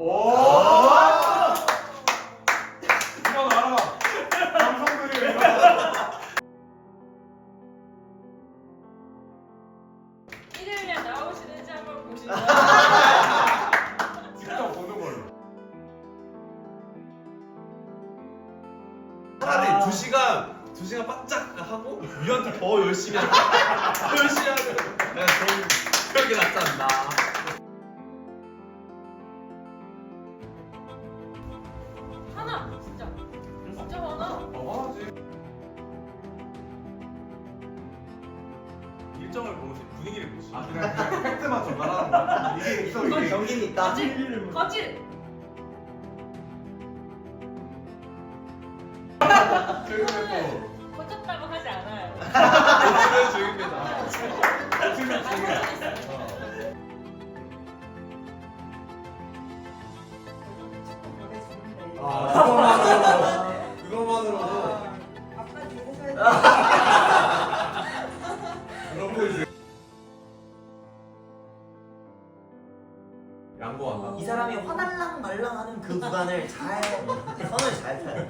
오. 이건 알아. 남성들이 이거. 일요일에 나오시는지 한번 보시죠. 직접 보는 걸로. 차라리 2시간 바짝 하고 위한테 더 열심히 하고 더 열심히 하고 내가 그런 게 낫지 않나. 하나 진짜 하나. 하지. 일정을 보지 분위기를 보지. 아 그냥 팩트만 전달하는 거야. 이게 있어 이게. 경기는 있다. 거짓. 최근에 거쳤다고 하지 않아요. 오늘은 중입니다. 또 틀면 중에. 그것만으로도 아빠한테 해줘야 그런 거 이제 양보한다. 이 사람이 화날랑 말랑하는 그 구간을 잘 선을 잘 타요.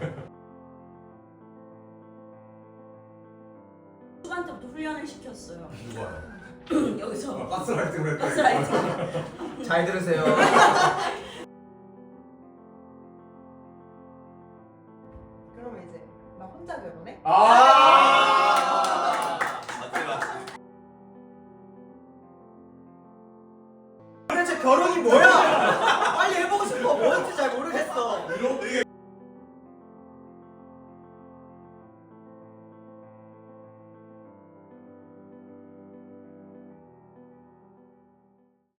초반부터 훈련을 시켰어요. 누가요? 여기서 가스라이팅을 했다. 가스라이팅. 잘 들으세요.